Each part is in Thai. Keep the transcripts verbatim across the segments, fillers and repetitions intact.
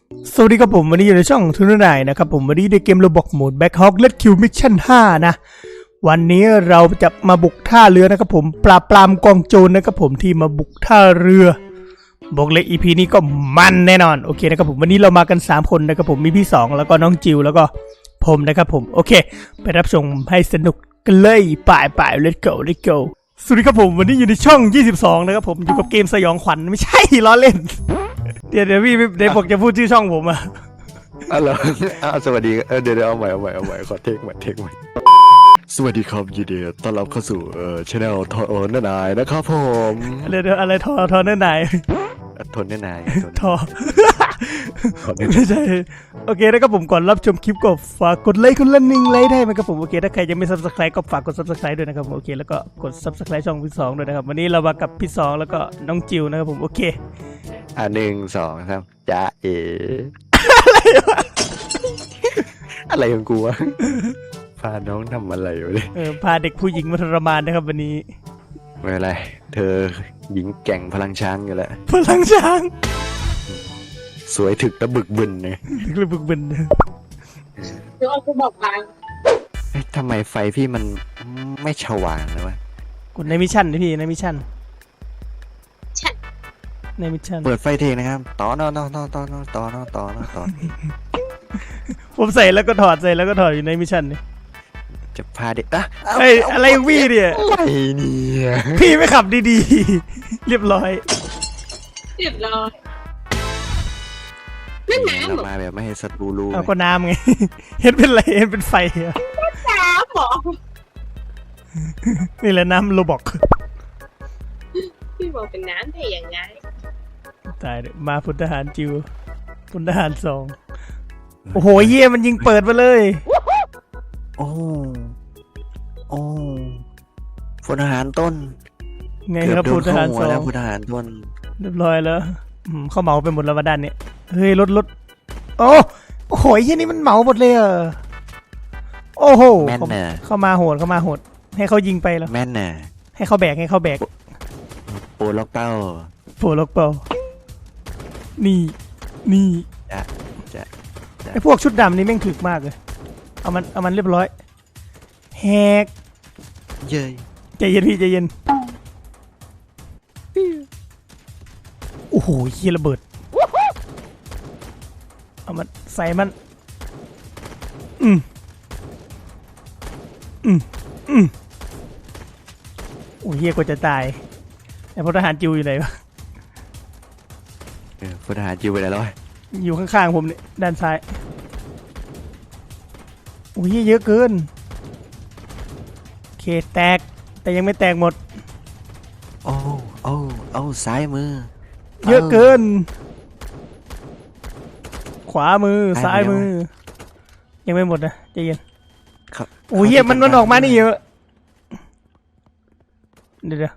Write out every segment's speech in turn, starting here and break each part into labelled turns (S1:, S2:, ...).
S1: สวัสดีครับผมวันนี้อยู่ในช่องทุนนายนะครับผมวันนี้ในเกมโรบอกโหมด Black Hawk Red Kill Mission ห้านะวันนี้เราจะมาบุกท่าเรือนะครับผมปราบปรามกองโจรนะครับผมที่มาบุกท่าเรือบอกเลย อี พี นี้ก็มันแน่นอนโอเคนะครับผมวันนี้เรามากันสามคนนะครับผมมีพี่สองแล้วก็น้องจิวแล้วก็ผมนะครับผมโอเคไปรับชมให้สนุกกันเลยป่ายป่าย Let's go Let's go สวัสดีครับผมวันนี้อยู่ในช่องยี่สิบสองนะครับผมอยู่กับเกมสยองขวัญไม่ใช่ล้อเล่นเดี๋ยวเดี๋ยวพี่เดี๋ยวบอกจะพูดชื่อช่องผมอะ
S2: อ๋อเหรออ้าวสวัสดีเออเดี๋ยวเดี๋ยวเอาใหม่เอาใหม่เอาใหม่ขอเทคใหม่เทคใหม่สวัสดีครับยินดีต้อนรับเข้าสู่เอ่อช anel ทอเนอร์นายนะครับผม
S1: เดี๋ยวเดี๋ยวอะไรทอทอเนื้อไหน
S2: ทนเนอร์นาย
S1: ทอไม่ใช่โอเคนะครับผมก่อนรับชมคลิปก็ฝากกดไลค์คนละหนึ่งไลค์ได้ไหมครับผมโอเคถ้าใครยังไม่ ซับสไครบ์ ก็ฝากกด ซับสไครบ์ ด้วยนะครับโอเคแล้วก็กด ซับสไครบ์ ช่องพี่สองด้วยนะครับวันนี้เรามากับพี่สองแล้วก็น้องจิวนะครับผมโอเค
S2: อ่ะหนึ่งสองสามจ้าเอ๋อะไรของกูวะพาน้องทำอะไรอยู่เลย
S1: เออพาเด็กผู้หญิงมาทรมานนะครับวันนี้
S2: ไม่เป็นไรเธอหญิงแกร่งพลังช้างอยู่แล้ว
S1: พลังช้าง
S2: สวยถึกและบึกบึนเนี่ย
S1: ถึกและบึกบึน
S3: เดี๋ยวเอาไปบอกไป
S2: ทำไมไฟพี่มันไม่สว่างเลยวะ
S1: กดในมิชชั่นดิพี่ในมิชชั่นในมิชชั่น
S2: เปิดไฟเทนะครับต่อนอนอนต่อนอต่อนอต่อนอต่อ
S1: ผมใส่แล้วก็ถอดใส่แล้วก็ถอดอยู่ในมิชชั่นนี่
S2: จะพาเด็กอะ
S1: เฮ้ยอะไรวี่เนี่ย
S2: อะไรเนี่ย
S1: พี่ไม่ขับดีๆเรียบร้อย
S3: เรียบร้อยนั่นน้ำ
S2: เรามาแบบไม่ให้สัตว์รู้รู้
S1: เอาก็น้ำไงเห็นเป็นอะไรเห็นเป็นไฟอะ
S3: น้ำหรอ
S1: นี่แหละน้ำโรบอก
S3: พี่บอกเป็นน้ำได้ยังไง
S1: ตายเลยมาพลทหารจิวพลทหารสองโอ้โหเยี่ยมันยิงเปิดมาเลย
S2: โอ้โอ้พลทหารต้น
S1: ไงครับพลทหารสอง
S2: แล้วพลทหารต้น
S1: เรียบร้อยแล้วเขาเหมาไปหมดแล้วมาด้านนี้เฮ้ยรถรถโอ้โหยี่นี่มันเหมาหมดเลยอ่ะโอ้โห
S2: แม่นน่ะ
S1: เข้ามาโหดเข้ามาโหดให้เขายิงไปแล้ว
S2: แม่นน่ะ
S1: ให้เขาแบกให้เขาแบก
S2: โปล็อกเป้า
S1: โปล็อกเป้านี่นี่
S2: จะจะ
S1: ไอพวกชุดดำนี่แม่งถึกมากเลยเอามันเอามันเรียบร้อยแฮก
S2: เย้ย
S1: ใจเย็นพี่ใจเย็นโอ้โหเฮียระเบิดเอามันใส่มันอืมอืมอืมโอ้เฮียกว่าจะตายไอ้พลทหารจิวอยู่ไหนวะ
S2: เออพลทหารจิวไปไหนแล้ว
S1: อยู่ข้างๆผมเนี่ยด้านซ้ายโอ้ยเยอะเกินโอเคแตกแต่ยังไม่แตกหมด
S2: โอ้โอ้โอ้ซ้ายมือ
S1: เยอะเกินขวามือซ้ายมือยังไม่หมดนะใจเย็นโอ้ยเยี่ยมันมันออกมานี่เยอะเดี๋ยว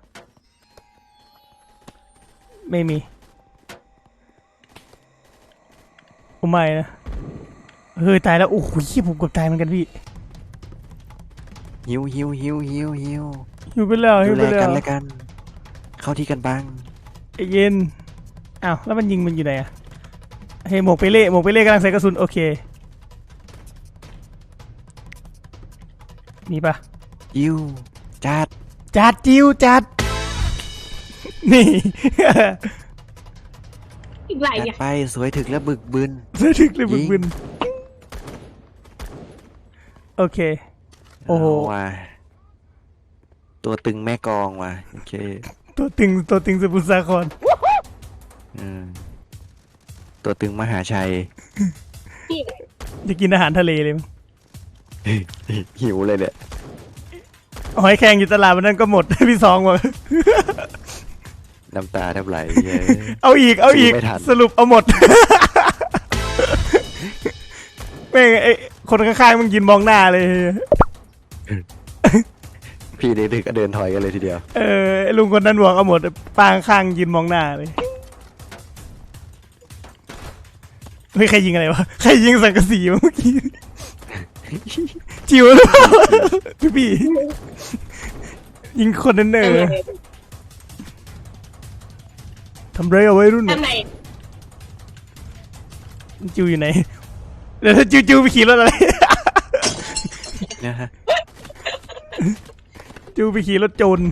S1: ไม่มีโอ้ไม่นะเฮ้ยตายแล้วโอ้โหยี่ผมกดตายเหมือนกันพี่
S2: หิวหิวหิวหิวหิว
S1: หิวไปแล้วหิวไปแล้ว
S2: กันแล้วกันเข้าที่กันบ้าง
S1: ไอเย็นอ้าวแล้วมันยิงมันอยู่ไหนอะเฮ้ยหมวกไปเล่หมวกไปเล่กำลังใส่กระสุนโอเคมีปะ
S2: จิวจัด
S1: จัดจิวจัดนี่
S3: อีกหลายอย่าง
S2: ไปสวยถึกและบึกบึน
S1: สวยถึกและบึกบึนโอเคโอ้โห
S2: ตัวตึงแม่กองว่ะโอเค
S1: ตัวตึงตัวตึงสมุทรสาคร
S2: ตัวตึงมหาชัย
S1: จะกินอาหารทะเลเลยมั้ง
S2: หิวเลยเนี่ย
S1: หอยแครงอยู่ตลาดวันนั้นก็หมดพี่สองว่ะ
S2: น้ำตาแทบไหล
S1: เอาอีกเอาอีกสรุปเอาหมดแม่งไอ้คนข้างๆมึงยืนมองหน้าเลย
S2: พี่เด็กๆก็เดินถอยกันเลยทีเดียว
S1: เออลุงคนนั้นบอกเอาหมดปางข้างยืนมองหน้าเลยเฮ้ยใครยิงอะไรวะใครยิงสังกะสีเมื่อกี้จิ๋วหรือเปล่าพี่พี่ยิงคนนั้นเนอทำไรเอาไว้รุ่นจิวอยู่ไหนเดี๋ยวจิวจิวไปขี่รถอะไร
S2: นะฮะ
S1: จิวไปขี่รถโจร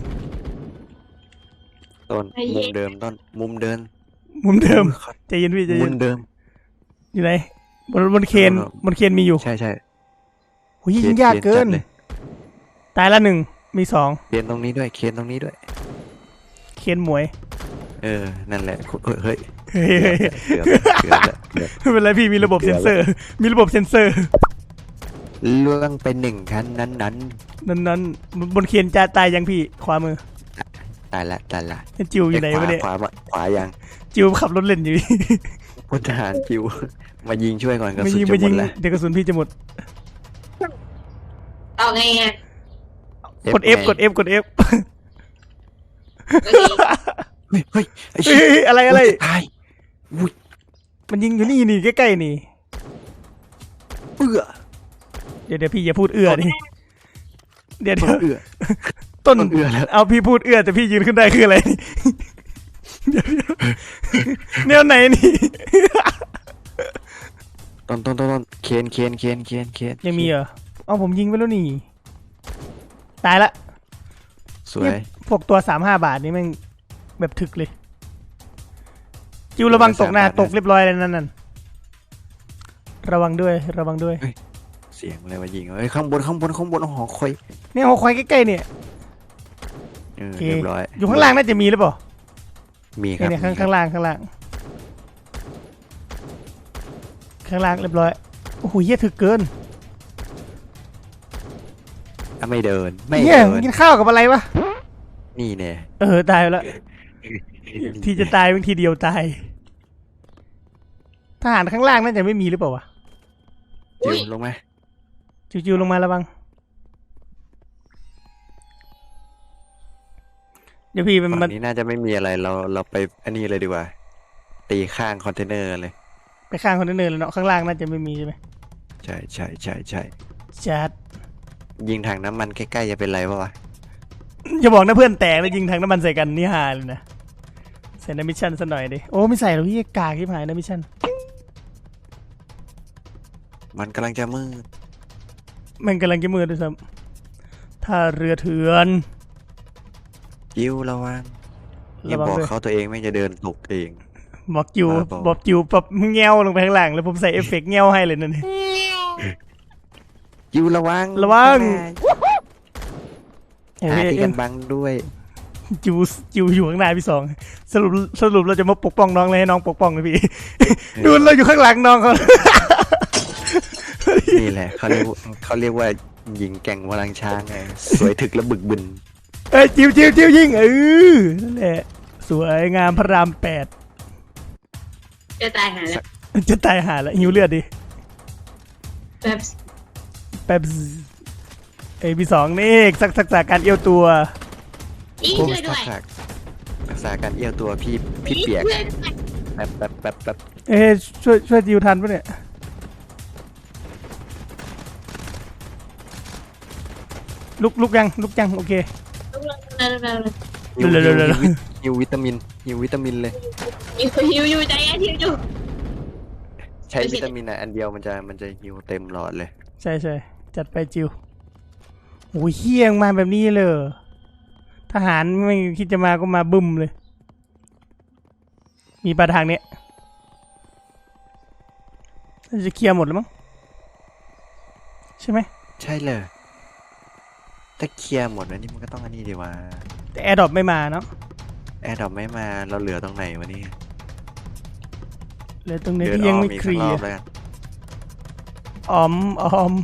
S2: ต้นมุมเดิมต้นมุมเดิน
S1: มุมเดิมใจเย็นพี่ใจ
S2: มุ
S1: เย็น
S2: มเดิม
S1: อยู่ไหนบนบนเคนบนเคนมีอยู่
S2: ใช่ใช่
S1: โหยิงยากเกิน
S2: เลย
S1: ตายละหนึ่งมีสอง
S2: เคนตรงนี้ด้วยเคนตรงนี้ด้วย
S1: เคนหมวย
S2: เออนั่นแหละเฮ้ย
S1: เฮ้ย
S2: เกือบเกือบเกือบ
S1: ไม่เป็นไรพี่มีระบบเซ็นเซอร์ มีระบบเซ็นเซอร์
S2: ล่วงเป็นหนึ่งคันนั้นนั้น
S1: นั้นนั้นบนเคนจะตายยังพี่ขวามือ
S2: ตายละตายละ
S1: จิวอยู่ไหนวะเนี่ย
S2: ขวาขวาขวายัง
S1: จิวขับรถเล่นอยู่
S2: พลทหารจิวมายิงช่วยก่อนกระ
S1: มา
S2: สุน
S1: ยิง
S2: จะ
S1: มา
S2: หม
S1: ยิ
S2: ด
S1: ง
S2: แล้ว
S1: เดี๋ยวกระสุนพี่จะหมด
S3: เอาไงอ่ะ
S1: กด F กด F กด F
S3: โอเค
S2: เฮ้ยเฮ้ยไอ้
S1: เฮ้
S2: เชี่ย
S1: ยอะไรอะไร
S2: ตายอุ้ย
S1: มันยิงอยู่นี่นี่ใกล้ๆนี่
S2: เอื้อ
S1: เดี๋ยวเดี๋ยวพี่อย่าพูดเอื้อดิเดี๋ยวเดี๋ยว
S2: เอื้อ
S1: ต้น
S2: ต้นเอื้อแล้ว
S1: เอาพี่พูดเอื้อแต่พี่ยืนขึ้นได้คืออะไรนี่เดี๋ยวเดี๋ยวแนวไหนนี่
S2: ต้นต้นต้นต้นเคนเคนเคนเคนเคน
S1: ยังมีเหรอเอาผมยิงไปแล้วนี่ตายละ
S2: สวย
S1: พวกตัวสามห้าบาทนี่แม่งแบบถึกเลยจิวระวังตกหน้าตกเรียบร้อยเลยนั่นนั่นระวังด้วยระวังด้วย
S2: เสียงอะไรวะยิงเฮ้ยข้างบนข้างบนข้างบนหอคอย
S1: เนี่ยหัวควายใกล้ๆเนี่ย
S2: เออ
S1: โอเค
S2: เรียบร้อย
S1: อยู่ข้างล่างน่าจะมีหรือเปล่า
S2: มีครับ
S1: เนี่ยข้าง
S2: มีค
S1: ข้า
S2: รับ
S1: งล่างข้างล่างข้างล่างเรียบร้อยโอ้โหเหี้ยถึกเกิน
S2: อ่ะไม่เดินไม่
S1: เหี้ย
S2: เดิน
S1: กินข้าวกับอะไรวะ
S2: นี่เนี่ย
S1: เออตายไปแล้วที่จะตายบางทีเดียวตายทหารข้างล่างน่าจะไม่มีหรือเปล่าวะ
S2: จิวลงไหม
S1: จิวๆลงมาระวังเดี๋ยวพี่มัน
S2: ฝั่
S1: มัน
S2: งนี้น่าจะไม่มีอะไรเราเราไปอันนี้เลยดีกว่า ตีข้างคอนเทนเนอร์เลย
S1: ไปข้างคอนเทนเนอร์แล้วเนาะข้างล่างน่าจะไม่มีใช่ไหม
S2: ใช่ใช่ใช่ใช่
S1: จัด
S2: ยิงถังน้ำมันใกล้ๆจะเป็นไรปะวะ
S1: อย่าบอกนะเพื่อนแตกแล้วยิงทางน้ำมันใส่กันนี่ฮาเลยนะใส่ในมิชชั่นซะหน่อยดิโอ้ไม่ใส่หรอกพี่กากที่หายในมิชชั่น
S2: มันกำลังจะมืด
S1: มันกำลังจะมืดด้วยซ้ำถ้าเรือเถื่อน
S2: จิวระวังอย่า
S1: ระวัง
S2: บอก
S1: ด้วย
S2: เขาตัวเองไม่จะเดินตกเอง
S1: บอกจิว
S2: บ้าบอ
S1: บอกจิวปรับเงี้ยวลงไปข้างล่างแล้วผมใส่เอฟเฟกต์เงี้ยวให้เลยนั่นเอง
S2: จิวระวัง
S1: ระวัง โอ้
S2: หาย ที่กันบังด้วย
S1: จิวจิวอยู่ข้างหน้าพี่สองสรุปสรุปเราจะมาปกป้องน้องเลยให้น้องปกป้องเลยพี่ ดูเราอยู่ข้างหลังน้องเขา
S2: นี่แหละเขาเรียกว่าเขาเรียกว่าหญิงแกร่งพลังช้างไงสวยถึกและบึกบึน
S1: เอ้ยจิวจิวจิวยิงเออนั่นแหละสวยงามพระรามแปด
S3: จะตายหาแล้ว
S1: จะตายหาแล้วหิวเลือดดิ
S3: แบบ
S1: แป๊บเอ้ยพี่สองนี่สักสักษาการเอี้ยวตัว
S3: นี่
S2: ผม
S3: ช่วยด้วย
S2: ทักษะทักษะการเอี้ยวตัวพี่พี่เปียก
S3: ช่วยด้วย
S2: แป๊บแป๊บแป๊บแป๊บ
S1: เอ้ยช่วยช่วยจิวทันปะเนี่ยลุกลุกยังลุกยังโอเค
S3: ลุกๆๆๆ
S2: หิว
S1: เร็วๆๆ
S2: หิวหิววิตามินหิววิตามินเลย
S3: หิวหิวอยู่ใจเย็นหิวอยู่
S2: ใช้วิตามินอ่ะอันเดียวมันจะมันจะหิวเต็มหลอดเลย
S1: ใช่ใช่จัดไปจิวโอ้ยเฮี้ยงมาแบบนี้เลยทหารไม่คิดจะมาก็มาบึ้มเลย มีปลาทางเนี้ยน่าจะเคลียร์หมดแล้วมั้งใช่ไหม
S2: ใช่เลยถ้าเคลียร์หมดแล้วนี่มันก็ต้องอันนี้ดีว่า
S1: แต่แอร์ดรอปไม่มาเนาะ
S2: แอร์ดรอปไม่มาเราเหลือตรงไหนวะเนี่ย
S1: เหลือตรงไหน
S2: เดิน
S1: ที่
S2: อ
S1: ยัง
S2: อม
S1: ไม่
S2: อีก
S1: เค
S2: สัก
S1: ลี
S2: ร
S1: ย
S2: อบ
S1: ร์
S2: แล้วกัน
S1: ออมออม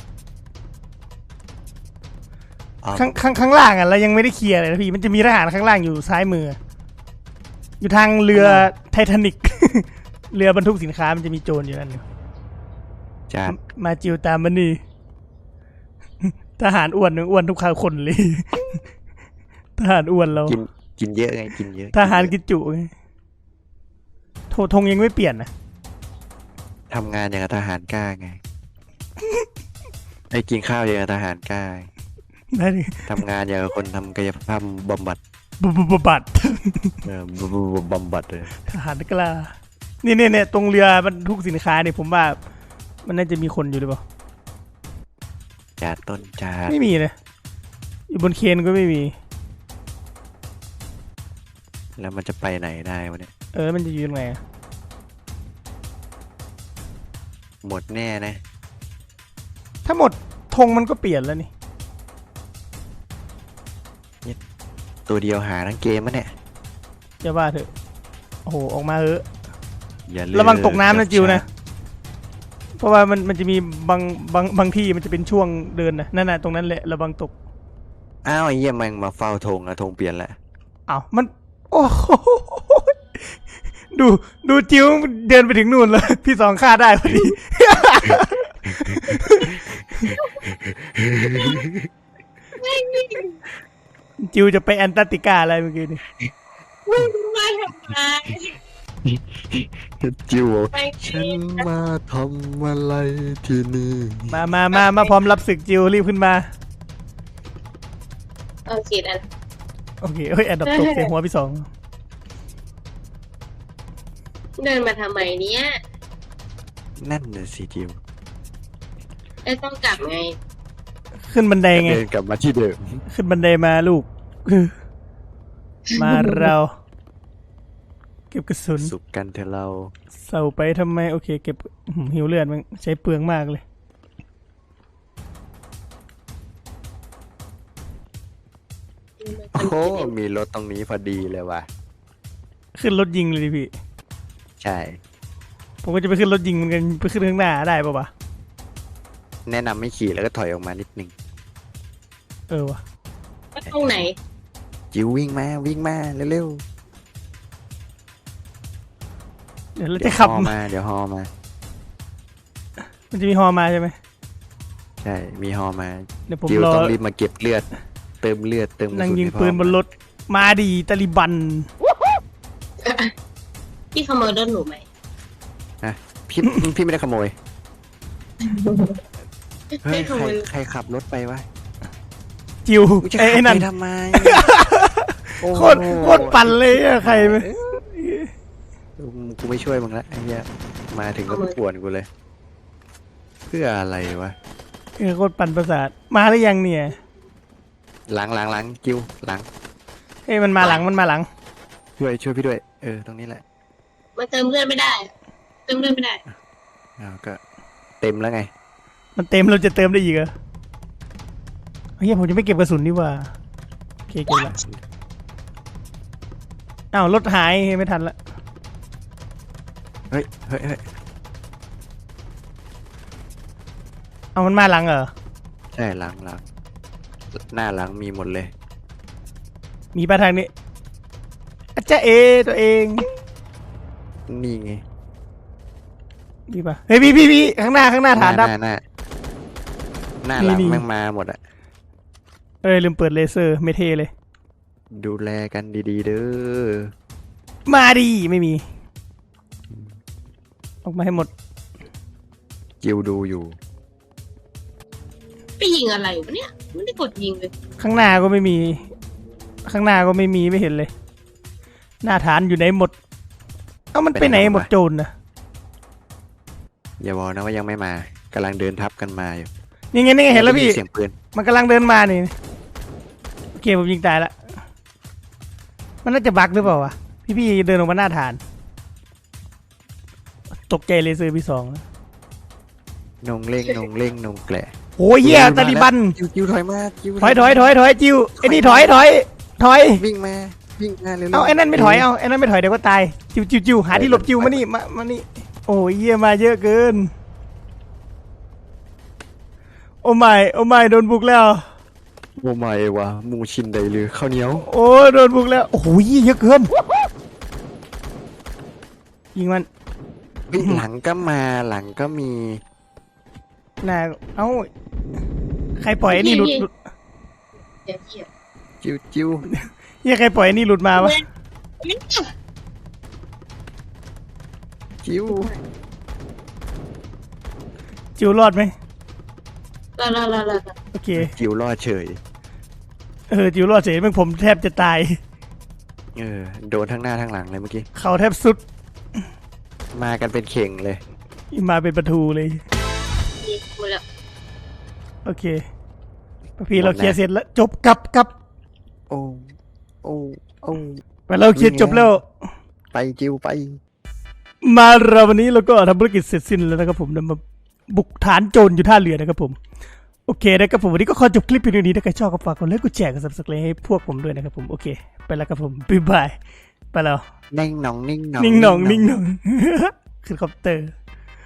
S2: ออม
S1: ข้างข้างข้างล่างอ่ะเรายังไม่ได้เคลียร์เลยนะพี่มันจะมีทหารข้างล่างอยู่ซ้ายมือ อยู่ทางเรือไททานิก เรือบรรทุกสินค้ามันจะมีโจรอยู่นั่นอยู่
S2: จาน
S1: มาจิวตามมันนี่ ทหารอ้วนอ้วนทุกขาคนเลย ทหารอ้วนเรา
S2: กินกินเยอะไงกินเยอะ
S1: ทหารกินจุไงโทธงยังไม่เปลี่ยนนะ
S2: ทำงานอย่างกับทหารกล้าไง ไอ้กินข้าวอย่างกับทหารกล้า
S1: นั่น
S2: ทำงานอย่างกับคนทำกายภาพบำบัด
S1: บุบบุบบัด
S2: เออบำบำบัดเลย
S1: ทหารกล้านี่เนี่ยเนี่ยตรงเรือบรรทุกสินค้าเนี่ยผมว่ามันน่าจะมีคนอยู่หรือเปล่า
S2: จ่าต้นจ่า
S1: ไม่มีเลยอยู่บนเคนก็ไม่มี
S2: แล้วมันจะไปไหนได้วะเนี่ย
S1: เออมันจะยืนไงอะ
S2: หมดแน่นะ
S1: ถ้าหมดธงมันก็เปลี่ยนแล้วนี่
S2: ตัวเดียวหาทั้งเกมมะเนี่ย
S1: อย่าว่าเถอะโอ้โหออกมาเถอะ
S2: อย่าเลือก
S1: ระวังตกน้ำนะ
S2: จับ
S1: จิวนะ
S2: ฉาก
S1: เพราะว่ามันมันจะมีบางบางบางที่มันจะเป็นช่วงเดินนะนั่นน่ะตรงนั้นแหละระวังตก
S2: อ้าวไอ้เหี้ยแม่งมาเฝ้าธงอะธงเปลี่ยนแล้ว
S1: อ้าวมันโอ้โหดูดูจิวเดินไปถึงนู่นเลยพี่สองฆ่าได้พอดี จิวจะไปแอนตาร์กติกาอะไรเมื่อกี้นี่
S3: ไม่รู้ว่าทำไม
S2: จิว
S3: ไป
S2: ฉันมาทำอะไรที่นี่
S1: มามามามาพร้อมรับศึกจิวรีบขึ้นมา
S3: โอเคอัน
S1: โอเคเฮ้ยแอนดับตกเสียหัวพี่สอง
S3: เดินมาทำไมเนี่ย
S2: นั่นน่ะสิจิว
S3: เอ้ยต้องกลับไง
S1: ขึ้นบันไดไง
S2: เดินกลับมาที่เดิม
S1: ขึ้นบันไดมาลูก มาเราเก็บกระสุน
S2: สุขกันเถอะเรา
S1: เสาไปทำไมโอเคเก็บอื้อหือหิวเลือดมันใช้เปลืองมากเลย
S2: โอ้โหมีรถตรงนี้พอดีเลยว่ะ
S1: ขึ้นรถยิงเลยดิพี่
S2: ใช่
S1: ผมก็จะไปขึ้นรถยิงเหมือนกันไปขึ้นข้างหน้าได้ปะวะ
S2: แนะนำไม่ขี่แล้วก็ถอยออกมานิดนึง
S1: เออวะ
S3: ก็ตรงไหน
S2: จิววิ่งมาวิ่งมาเร็ว
S1: เดี๋ยวเรา
S2: ๆเดี๋
S1: จะ
S2: ยวฮ
S1: ขับ
S2: อมาเดี๋ยวฮอมา
S1: มันจะมีฮอมาใช่ไหม
S2: ใช่มีฮอมา
S1: เดี๋ยวผม
S2: จิว
S1: รอ
S2: ต้องรีบมาเก็บเลือด เติมเลือดเติมกระ
S1: นั่ง
S2: สุน
S1: ยิง
S2: ให้พ่อ
S1: ปืนบนรถมาดีตาลิบัน
S3: พี่ขโมยรถหนูไหม
S2: นะพี่ พี่ไม่ได้ขโมยเฮ้ย
S3: ไม่ข
S2: ใคร
S3: โมย
S2: ใครขับรถไปวะ
S1: จิว
S2: กูจะ
S1: ไอ้
S2: ขับ
S1: ไอ้นั่น
S2: ไปทำไม
S1: โคตรโคตรปั่นเลยอะใครไหม
S2: กูไม่ช่วยมึงละไอ้เหี้ยมาถึงก็ป่วนกูเลย เพื่ออะไรวะ
S1: เออโคตรปั่นประสาทมาหรือยังเนี่ย
S2: หลังหลังหลังจิวหลัง
S1: เฮ้ยมันมาหลังมันมาหลัง
S2: ช่วยช่วยพี่ด้วยเออตรงนี้แหละ
S3: มันเติมเลือดไม่ได้ เติมเลือดไม่ได้
S2: อ้าวก็เต็มแล้วไง
S1: มันเต็มเราจะเติมได้อีกเหรอเฮ้ยผมจะไม่เก็บกระสุนนี่หว่าโอเคเก็บละอ้าวรถหายไม่ทันละ
S2: เฮ้ยเฮ้ยเฮ้ย
S1: เอามันมาหลังเหรอ
S2: ใช่หลังหลังหน้าหลังมีหมดเลย
S1: มีปะทางนี้อาจารย์เอตัวเอง
S2: นี่ไง
S1: มีปะเฮ้ยพี่พี่พี่ข้างหน้าข้างหน้าฐานดับ
S2: หน้าหน้าหน้าหลัง
S1: นี่นี่
S2: แม่งมาหมดอะ
S1: เอ้ยลืมเปิดเลเซอร์ไม่เท่เลย
S2: ดูแลกันดีๆเด้อ
S1: มาดีไม่มี ออกมาให้หมด
S2: จิวดูอยู่
S3: ไปยิงอะไรวะเนี่ย ไม่ได้กดยิงเลย
S1: ข้างหน้าก็ไม่มี ข้างหน้าก็ไม่มีไม่เห็นเลย หน้าฐานอยู่ไหนหมด เอ้ามันไปไหนหมดโจรนะ
S2: อย่าบอกนะว่ายังไม่มากำลังเดินทับกันมาอยู่
S1: นี่ไงนี่ไงเห็นแล้วพี่
S2: เสียงปืน
S1: มันกำลังเดินมานี่โอเคผมยิงตายละมันน่าจะบั๊กหรือเปล่าวะพี่พี่เดินออกมาหน้าฐาน ตกใจเลเซอร์พี่สองนะ
S2: นงเล่งนงเล่งนงแกละ
S1: โอ้ยเหี้ยตาลิบัน
S2: จิวจิวถอยมาจิว
S1: ถอยถอยถอยถอยจิวไอ้นี่ถอยถอยถอย
S2: วิ่งมาวิ่งมาเร็วๆ
S1: เอาไอ้นั่นไม่ถอยเอาไอ้นั่นไม่ถอยเดี๋ยวก็ตายจิวจิวจิวหาที่หลบจิวมานี่มามานี่โอ้ยเหี้ยมาเยอะเกิน โอ้ไม่โอ้ไม่โดนบุกแล้ว
S2: โอ้ไม่วะหมูชินใดหรือข้าวเหนียว
S1: โอ้โดนบุกแล้วโอ้โหเยอะเกินยิงมัน
S2: เฮ้ยหลังก็มาหลังก็มี
S1: น่าเอ้าใครปล่อยไอ้นี่หลุดหลุด
S3: เดี๋ยวเหี้ย
S2: จิวจิว
S1: เหี้ยใครปล่อยไอ้นี่หลุดมาวะ
S2: จิว
S1: จิวรอดไหม
S3: รอรอรอรอ
S1: โอเค
S2: จิวรอดเฉย
S1: เออจิวรอดเฉยมึงผมแทบจะตาย
S2: เออโดนทั้งหน้าทั้งหลังเลยเมื่อกี้
S1: เขาแทบสุด
S2: มากันเป็นเข่งเลย
S1: มาเป็นประตูเลย
S3: นี่หมดแล้ว
S1: โอเคพี่เราเคลียร์เสร็จแล้วจบกลับกลับ
S2: โอ้โอ้โอ้
S1: ไปเราเคลียร์จบแล้ว
S2: ไปจิวไป
S1: มาเราวันนี้เราก็ทำภารกิจเสร็จสิ้นแล้วนะครับผมนำมาบุกฐานโจรอยู่ท่าเรือนะครับผมโอเคนะครับผมวันนี้ก็ขอจบคลิปเพียงเท่านี้ถ้าใครชอบก็ฝากกดไลค์กดแชร์กดซับสไครต์ให้พวกผมด้วยนะครับผมโอเคไปแล้วครับผมบ๊ายบายไปแล้ว
S2: นิ่งหนองนิ่งหนอง
S1: นิ่งหน่องนิ่งหน่อง ขึ้นคอปเตอร์